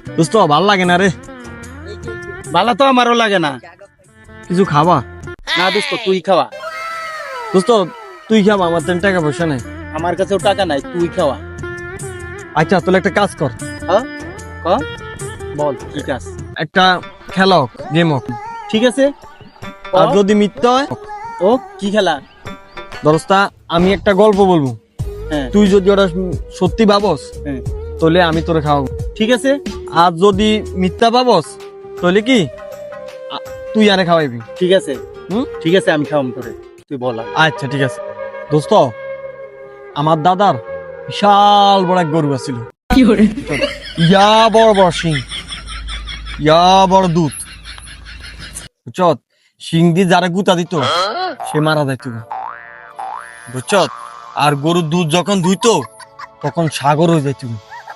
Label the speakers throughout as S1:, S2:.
S1: দোস্ত ভাল লাগে না রে।
S2: ভালো তো আমারও লাগে না।
S1: কিছু খাবা?
S2: না দোস্ত তুই খাওয়া।
S1: দোস্ত তুই খাবা, আমার তেন টাকা পয়সা নাই।
S2: আমার কাছেও টাকা নাই, তুই খাওয়া।
S1: আচ্ছা তাহলে একটা কাজ কর।
S2: হ্যাঁ ক বল কি কাজ?
S1: একটা খেলা হোক, গেম হোক।
S2: ঠিক আছে
S1: আর যদি মিথ্যা হয়
S2: ও কি খেলা?
S1: দোস্তা আমি একটা গল্প বলবো,
S2: হ্যাঁ
S1: তুই যদি ওটা সত্যি ভাবস
S2: হ্যাঁ
S1: তাহলে আমি তোরে খাওয়াবো।
S2: ঠিক আছে
S1: আর যদি মিথ্যা ভাবস তাহলে কি তুই আরে খাওয়াইবি।
S2: ঠিক আছে ঠিক আছে আমি খাওয়াম তোরে, তুই বল আগে।
S1: আচ্ছা ঠিক আছে। দোস্ত আমার দাদার বিশাল বড় এক গরু আছিল, ইয়া বড় বড় সিং, ইয়া বড় দুধ, বুঝছত? সিং দিয়ে যারা গুতা দিত সে মারা যাইত, বুঝছত? আর গরুর দুধ যখন ধুইতো তখন সাগর হয়ে যাইত।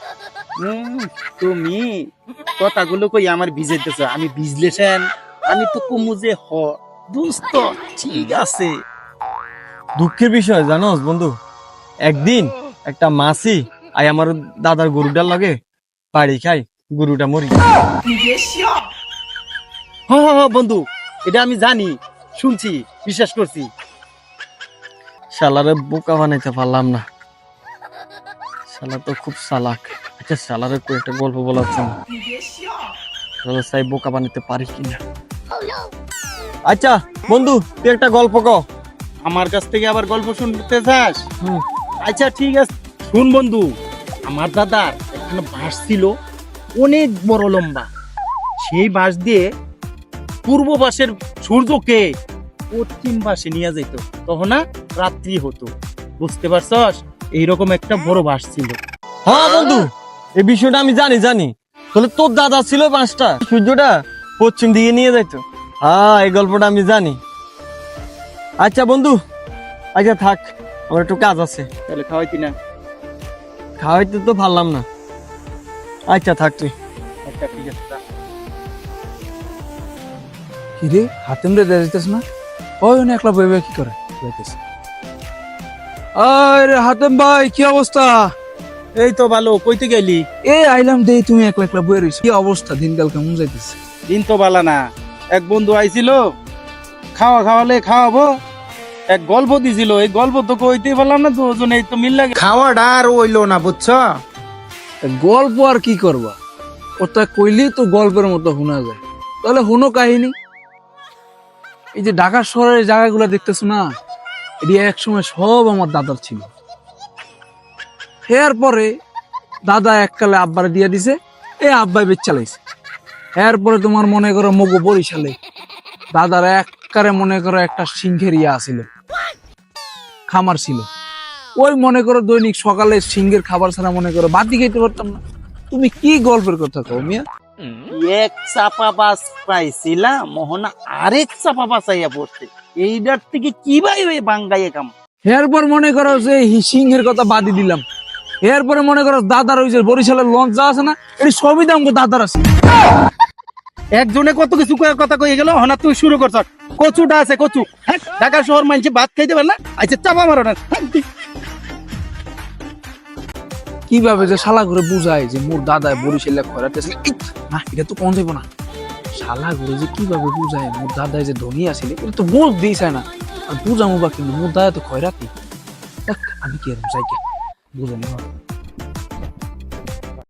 S2: তুমি কথাগুলো কই আমার ভিজাইতেছ, আমি ভিজলেছেন আমি তো কমু যে হ দোস্ত। ঠিক আছে
S1: দুঃখের বিষয় জানোস বন্ধু, একদিন একটা মাসি আই আমার দাদার গরুটার লাগে পাড়ি খাই, গরুটা মরি।
S2: হ্যাঁ বন্ধু, এটা আমি জানি, শুনছি, বিশ্বাস করছি।
S1: শালারে বোকা বানাইতে পারলাম না, শালা তো খুব চালাক। আচ্ছা শালারে কই একটা গল্প বলাচ্ছি, শালা সাই বোকা বানাইতে পারি কিনা। আচ্ছা বন্ধু তুই একটা গল্প ক।
S2: আমার কাছ থেকে আবার গল্প শুনতে চাস?
S1: হুম।
S2: আচ্ছা ঠিক আছে শুন বন্ধু, আমার দাদার একটা বাঁশ ছিল অনেক বড় লম্বা। সেই বাঁশ দিয়ে পূর্ব পাশের সূর্যকে পশ্চিম পাশে নিয়ে যেত, তখন না রাত্রি হতো, বুঝতে পারছস? এইরকম একটা বড় বাঁশ ছিল।
S1: হ্যাঁ বন্ধু এই বিষয়টা আমি জানি জানি। তাহলে তোর দাদা ছিল পাঁচটা, সূর্যটা পশ্চিম দিকে নিয়ে যাইতো। হ্যাঁ এই গল্পটা আমি জানি। আচ্ছা বন্ধু, আচ্ছা থাক, আমার একটু কাজ আছে।
S2: তাহলে খাওয়াইতি না?
S1: খাওয়াইতে তো পারলাম না। আচ্ছা থাক তুই।
S2: আচ্ছা ঠিক আছে যা।
S3: কিরে হাতেম রে যাইতেছ না? ওই না একলা বই বই কি করে যাইতেছে? আরে হাতেম ভাই কি অবস্থা?
S2: এই তো ভালো, কইতে গেলি?
S3: এই আইলাম দেই তুমি একলা একলা বই রইছ। কি অবস্থা, দিনকাল কেমন যাইতেছে?
S2: দিন তো ভালো না। এক বন্ধু আইছিল, খাওয়ালে খাওয়াবো, এক গল্প দিছিল, এই গল্প তো কইতেই পারলাম না, দুজনে তো মিল লাগে খাওয়াটা আর হইলো না, বুঝছো?
S3: গল্প আর কি করবা, ওটা কইলেই তো গল্পের মতো শোনা যায়। তাহলে হুনো কাহিনী। এই যে ঢাকা শহরের জায়গাগুলো দেখতেছো না, এটি এক সময় সব আমার দাদার ছিল। এরপরে দাদা এককালে আব্বারে দিয়ে দিছে, এই আব্বাই বেচ চালাইছে। এরপরে তোমার মনে করো মগো বরিশালে দাদার এককারে মনে করো একটা সিংহের ইয়া ছিল, খামার ছিল। ওই মনে করো দৈনিক সকালে সিংহের খাবার ছাড়া মনে করো বাতি খাইতে পারতাম না। তুমি কি গল্পের কথা কও মিয়া?
S2: এক চাপা বাস পাইছিলাম, মোহনা আরেক চাপা বাস আইয়া পড়ছে, এইটার থেকে কি ভাই ওই বাঙ্গাইয়ে কাম।
S3: এরপর মনে করো যে সিংহের কথা বাদি দিলাম। এরপরে মনে করো দাদার ওই যে বরিশালের লঞ্চ যা আছে না, এটি সবই দাম দাদার আছে।
S2: একজনে কত কিছু কথা কয়ে গেল, হনা তুই শুরু করছ। কচুটা আছে কচু, হ্যাঁ ঢাকা শহর মানছে ভাত খাইতে পারে না, আচ্ছা চাপা মারো না।
S3: কিভাবে যে শালা ঘুরে বুঝায় যে মোর দাদায় বরিশালে খয়রাতেছিল, না এটা তো কোন যাবো না। শালা ঘুরে যে কিভাবে বুঝায় মোর দাদায় যে ধনী আছিল, এটা তো বোঝ দিয়েছে না। আর বুঝামো বা কিন্তু মোর দাদা তো খয়রাতি। আমি কি এরকম চাই বুঝানি।